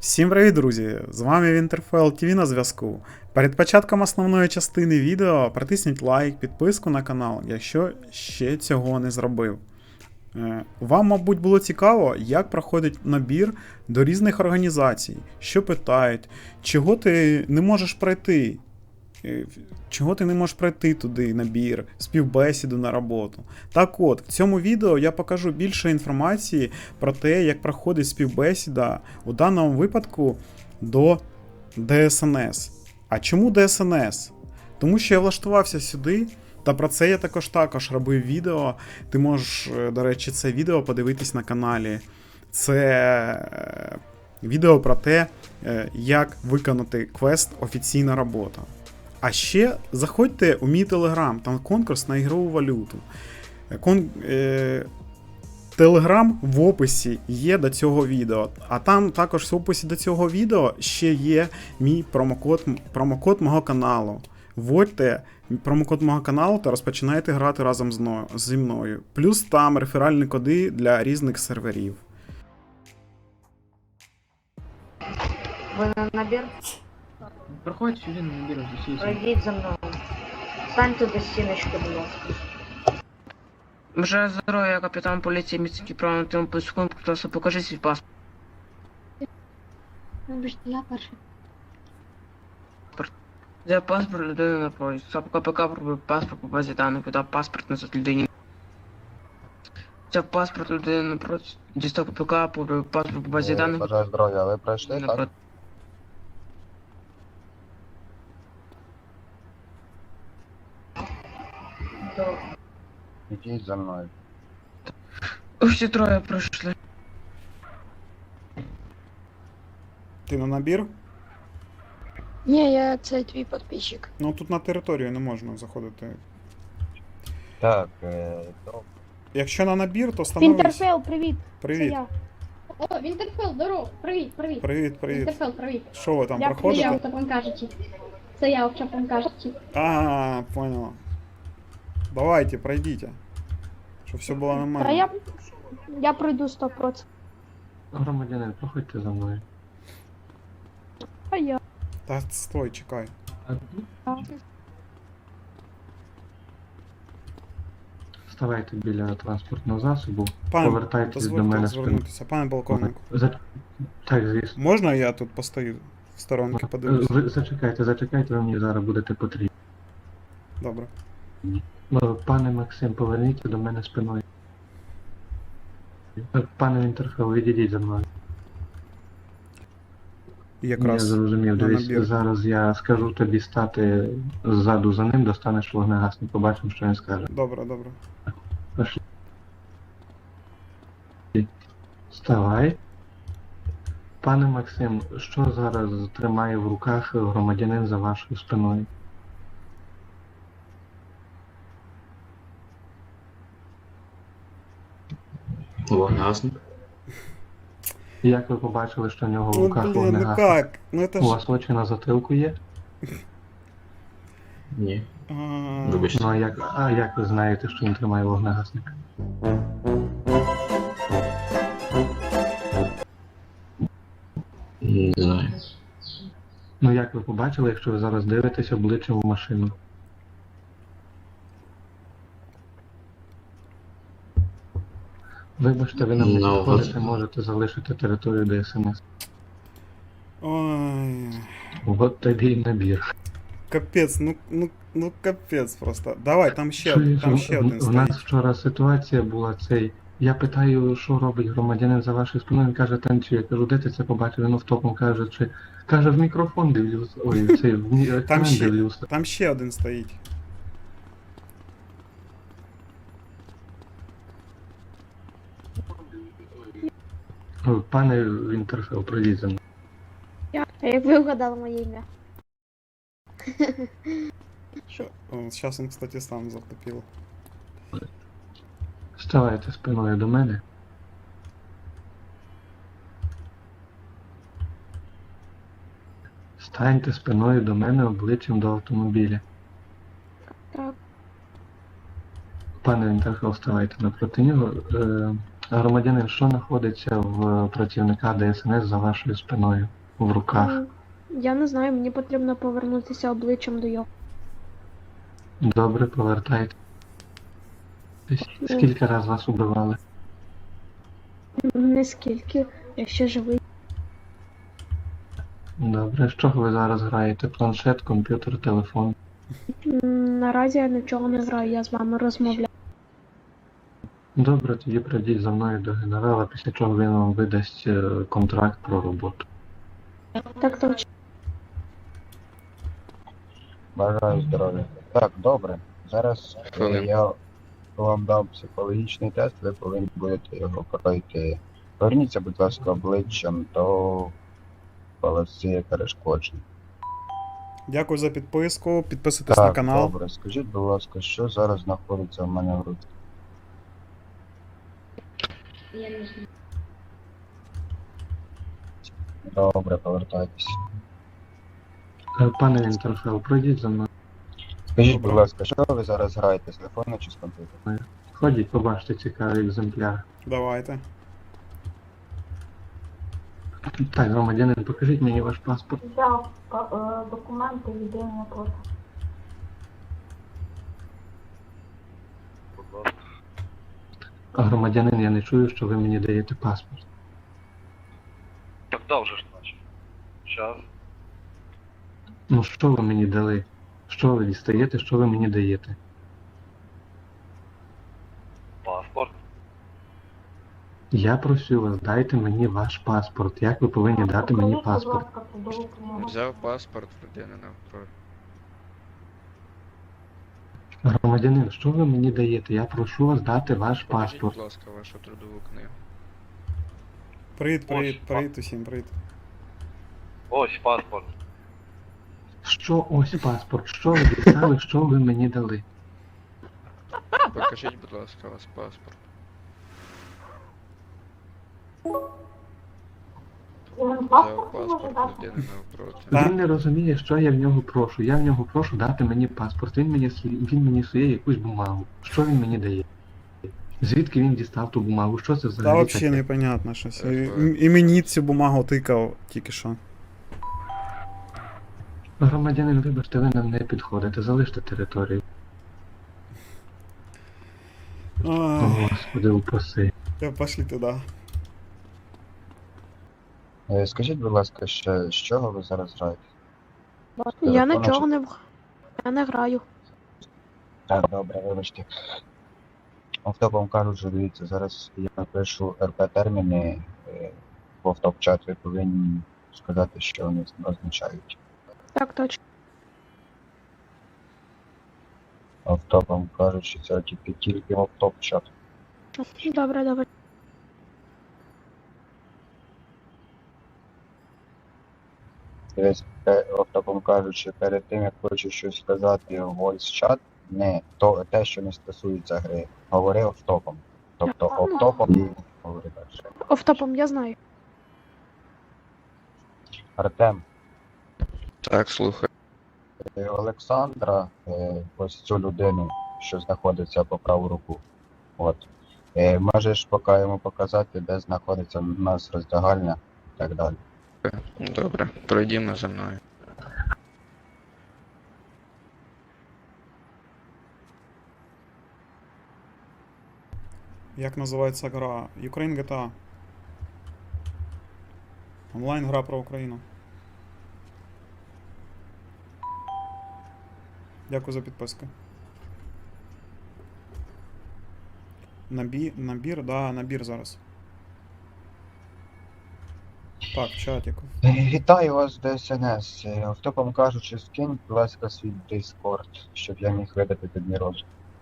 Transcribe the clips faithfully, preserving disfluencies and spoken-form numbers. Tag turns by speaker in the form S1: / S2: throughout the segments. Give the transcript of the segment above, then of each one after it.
S1: Всім привіт, друзі! З вами Вінтерфелл ті ві на зв'язку. Перед початком основної частини відео протисніть лайк, підписку на канал, якщо ще цього не зробив. Вам, мабуть, було цікаво, як проходить набір до різних організацій, що питають, чого ти не можеш пройти, чого ти не можеш пройти туди набір, співбесіду на роботу. Так от, в цьому відео я покажу більше інформації про те, як проходить співбесіда у даному випадку до де ес ен ес. А чому де ес ен ес? Тому що я влаштувався сюди, та про це я також також робив відео. Ти можеш, до речі, це відео подивитись на каналі. Це відео про те, як виконати квест «Офіційна робота». А ще заходьте у мій телеграм, там конкурс на ігрову валюту. Кон... Е... Телеграм в описі є до цього відео. А там також в описі до цього відео ще є мій промокод, промокод мого каналу. Вводьте промокод мого каналу та розпочинайте грати разом зі мною. Плюс там реферальні коди для різних серверів.
S2: Ви на набір?
S3: Проходь сюди на набір, засійся.
S2: Пройдіть за мною. Станьте до стіночки, будь ласка.
S3: Бажаю здоров'я, капітан поліції міський право на тим секунд, просто покажи свій паспорт.
S2: Вибачте, я перший.
S3: Взяв паспорт людини на проїзд. САП КПК пробив паспорт по базі даних, видав паспорт назад людині. Взяв паспорт людини на проїзд. Дістав КПК, пробив паспорт по базі даних.
S4: Бажаю здоров'я, ви пройшли, так? Ідіть за мною.
S3: Всі троє пройшли.
S1: Ти на набір?
S5: Ні, я це твій підписчик.
S1: Ну тут на територію не можна заходити.
S4: Так, е, то...
S1: Якщо на набір, то становись.
S5: Вінтерфелл, привіт.
S1: Привіт.
S5: Це я.
S6: О, Вінтерфелл, здорово, привіт, привіт.
S1: Привіт, привіт.
S6: Вінтерфелл, привіт.
S1: Що ви там
S6: Я,
S1: проходите?
S6: я, так вам кажучи. Це я, так вам кажучи.
S1: А, понял. Давайте, пройдите. Щоб все було
S5: Та
S1: нормально.
S5: я, я пройду сто відсотків.
S7: Громадянин, проходьте за мною.
S5: А я.
S1: Та стой, чекай.
S7: Ставайте біля транспортного засобу,
S1: Пане,
S7: повертайтесь до
S1: дозвольте
S7: мене спиною.
S1: звернутися. Пане полковнику,
S7: За... Так, звісно.
S1: можна я тут постою в сторонки, подивлюся?
S7: Ви зачекайте, зачекайте, ви мені зараз будете потрібні.
S1: Добре.
S7: Пане Максим, поверніться до мене спиною. Пане Вінтерфелл, відійдіть за мною.
S1: Якраз
S7: Я зрозумів,
S1: на
S7: дивись,
S1: набір.
S7: зараз я скажу тобі стати ззаду за ним, достанеш вогнегасник, побачимо, що він скаже.
S1: Добре, добре.
S7: Пошли. Вставай. Пане Максим, що зараз тримає в руках громадянин за вашою спиною?
S8: Вогнегасник.
S7: Як ви побачили, що в нього в
S1: Ну
S7: руках
S1: блін, ну
S7: вогнегасник?
S1: как? Ну это
S7: У
S1: ж...
S7: вас очі на затилку є?
S8: Ні.
S1: А,
S8: Вибачте.
S7: Ну а як, а як ви знаєте, що він тримає вогнегасник?
S8: Не знаю.
S7: Ну як ви побачили, якщо ви зараз дивитесь обличчям в машину? Вибачте, ви нам не
S8: Ну,
S7: підходите,
S8: вас-
S7: можете залишити територію де ес ен ес.
S1: Ой,
S7: От тобі і набір.
S1: капець, ну, ну, ну капець просто. Давай, там ще,
S7: Чуєш,
S1: там
S7: в-
S1: ще
S7: в-
S1: один
S7: в нас
S1: стоїть.
S7: вчора ситуація була цей. Я питаю, що робить громадянин за вашою спиною, він каже, танцює. Я кажу, де ти це побачив? Він автопом каже, чи каже, в мікрофон дивлюсь. Ой, цей в мі- екран
S1: ще-
S7: дивлюся.
S1: Там ще один стоїть.
S7: Ой, Пане Вінтерфелл, пройдіть за мною.
S5: А як ви вгадали моє ім'я?
S1: Сейчас он, кстати, сам затопил.
S7: Ставайте спиною до мене. Станьте спиною до мене обличчям до автомобіля.
S5: Так.
S7: Пане Вінтерфелл, ставайте напроти нього. Е, громадянин, що знаходиться в працівника де ес ен ес за вашою спиною? в руках.
S6: М, Я не знаю, мені потрібно повернутися обличчям до його.
S7: Добре, повертайтесь. Скільки раз вас убивали?
S6: Не скільки, я ще живий.
S7: Добре, з чого ви зараз граєте? Планшет, комп'ютер, телефон?
S6: М, Наразі я нічого не граю, я з вами розмовляю.
S7: Добре, тоді прийдіть за мною до генерала, після чого він вам видасть е, контракт про роботу.
S6: Так точно.
S4: Бажаю здоров'я. Так, добре. Зараз е,
S8: Хвилин.
S4: я вам дам психологічний тест, ви повинні будете його пройти. Поверніться, будь ласка, обличчям до полоси перешкоджень.
S1: Дякую за підписку. Підписуйтесь на
S4: Так,
S1: канал.
S4: добре. Скажіть, будь ласка, що зараз знаходиться в мене в руці?
S2: Я не знаю.
S4: Добре, повертайтесь.
S7: Е, Пане Вінтерфелл, пройдіть за мною.
S4: Скажіть,
S1: Добре.
S4: будь ласка, що ви зараз граєте, з телефону чи з комп'ютера?
S7: Ходіть, побачите цікавий екземпляр.
S1: Давайте.
S7: Так, громадянин, покажіть мені ваш паспорт.
S2: Взяв е, документи, єдине просто.
S7: А громадянин, я не чую, що ви мені даєте паспорт.
S9: Так дав же ж наче. Щас.
S7: Ну що ви мені дали? Що ви дістаєте, що ви мені даєте?
S9: Паспорт.
S7: Я просю вас, дайте мені ваш паспорт. Як ви повинні дати мені паспорт?
S10: Взяв паспорт людини навпроти.
S7: Громадянин, що ви мені даєте? Я прошу вас дати ваш
S10: Покажіть,
S7: паспорт.
S10: будь ласка, вашу трудову книгу.
S1: Привіт, привіт,
S9: Ось,
S1: привіт усім, привіт.
S9: Ось паспорт.
S7: Що ось паспорт? Що ви дістали, що ви мені дали?
S10: Покажіть, будь ласка, ваш паспорт. Взяв паспорт людини навпроти.
S1: Так.
S7: Він не розуміє, що я в нього прошу. Я в нього прошу дати мені паспорт. Він мені свій- він мені сує якусь бумагу. Що він мені дає? Звідки він дістав ту бумагу? Що це
S1: Та
S7: взагалі
S1: взагалі
S7: таке?
S1: непонятно щось. І,
S10: Е,
S1: і мені цю бумагу тикав тільки що.
S7: Громадянин, вибачте, ви нам не підходите. Залиште територію. О,
S1: Ай,
S7: Господи, упаси.
S1: та пошли туди.
S4: Е, Скажіть, будь ласка, ще з чого ви зараз граєте?
S6: Я
S4: Телефону
S6: нічого
S4: чи-
S6: не в- я не граю.
S4: Так, добре, вибачте. Автопом кажуть, що дивіться, зараз я напишу РП терміни е, в автоп-чат, ви повинні сказати, що вони означають.
S6: Так точно.
S4: Автопом кажуть, що це тільки тільки в автоп-чат.
S6: Добре, добре.
S4: Дивись, е, автопом кажуть, що перед тим, як хочеш щось сказати в voice-чат, не то, те, що не стосується гри, говори автопом. Тобто автопом і говори далі.
S6: Офтопом я знаю.
S4: Артем,
S10: Так, слухай.
S4: е, Олександра, е, ось цю людину, що знаходиться по праву руку. От. Е, Можеш поки йому показати, де знаходиться в нас роздягальня і так далі.
S10: Добре, пройдімо за мною.
S1: Як називається гра? Ukraine джі ті ей. Онлайн гра про Україну. Дякую за підписку. Набі... Набір, да, набір зараз. Так, чатик.
S4: Е, Вітаю вас до ес ен ес. Е, Автопом кажучи, скинь, будь ласка, свій Discord, щоб я міг видати тобі розум.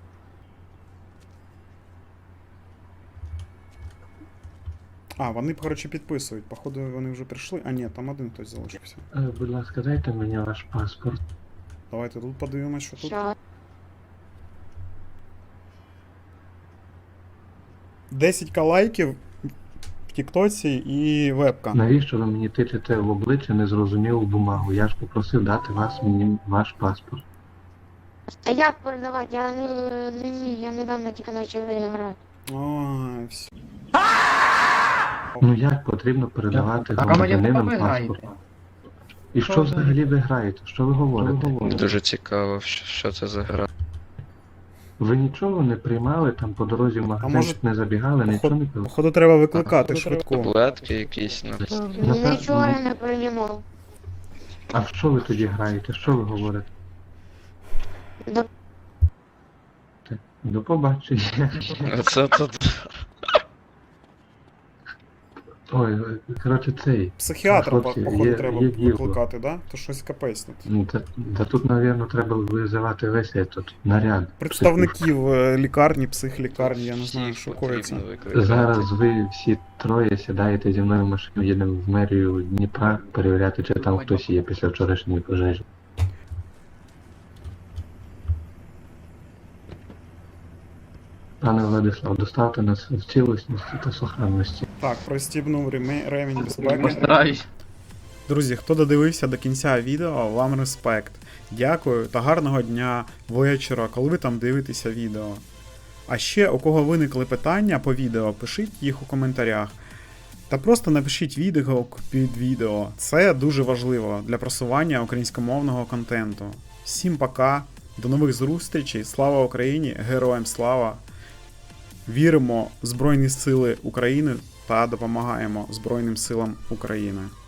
S1: А, вони, коротше, підписують. Походу, вони вже прийшли. А ні, там один хтось залишився.
S7: Е, Будь ласка, дайте мені ваш паспорт.
S1: Давайте тут подивимось, що тут.
S5: Що?
S1: десять к лайків в Тіктоці і вебка.
S7: Навіщо ви мені тичете в обличчя незрозумілу бумагу? Я ж попросив дати вас мені ваш паспорт.
S5: А як передавати? Я не, не, вмію, я недавно тільки почав грати.
S1: Ой, все.
S7: Ну як потрібно передавати
S3: А громадянин,
S7: громадянинам
S3: ви
S7: паспорт?
S3: граєте?
S7: І що взагалі ви граєте? Що ви говорите?
S10: Дуже цікаво, що, що це за гра.
S7: Ви нічого не приймали там по дорозі в магазин,
S1: може,
S7: не забігали, нічого не пили?
S1: Походу треба викликати швидку.
S10: Таблетки якісь, ну.
S7: Напевно.
S5: Нічого я не приймав.
S7: А в що ви тоді граєте? Що ви говорите?
S5: До
S7: До побачення.
S10: Це тут.
S7: Ой, коротше, цей.
S1: Психіатра,
S7: Хлопці,
S1: походу,
S7: є-
S1: треба
S7: є діло.
S1: викликати, да? То щось капець тут.
S7: Ну, та, та тут, напевно, треба визивати весь этот наряд.
S1: Представників е, лікарні, психлікарні, я не знаю, що
S10: Всіх потрібно
S1: коїться.
S10: викликати.
S7: Зараз ви всі троє сідаєте зі мною в машину, їдемо в мерію Дніпра перевіряти, чи там хтось є після вчорашньої пожежі. Пане Владислав, доставте нас в цілісності та сохранності.
S1: Так, пристібнув реме- ремінь безпеки.
S3: Постараюсь.
S1: Друзі, хто додивився до кінця відео, вам респект. Дякую та гарного дня, вечора, коли ви там дивитеся відео. А ще, у кого виникли питання по відео, пишіть їх у коментарях. Та просто напишіть відгук під відео. Це дуже важливо для просування українськомовного контенту. Всім пока, до нових зустрічей, слава Україні, героям слава! Віримо в Збройні Сили України та допомагаємо Збройним силам України.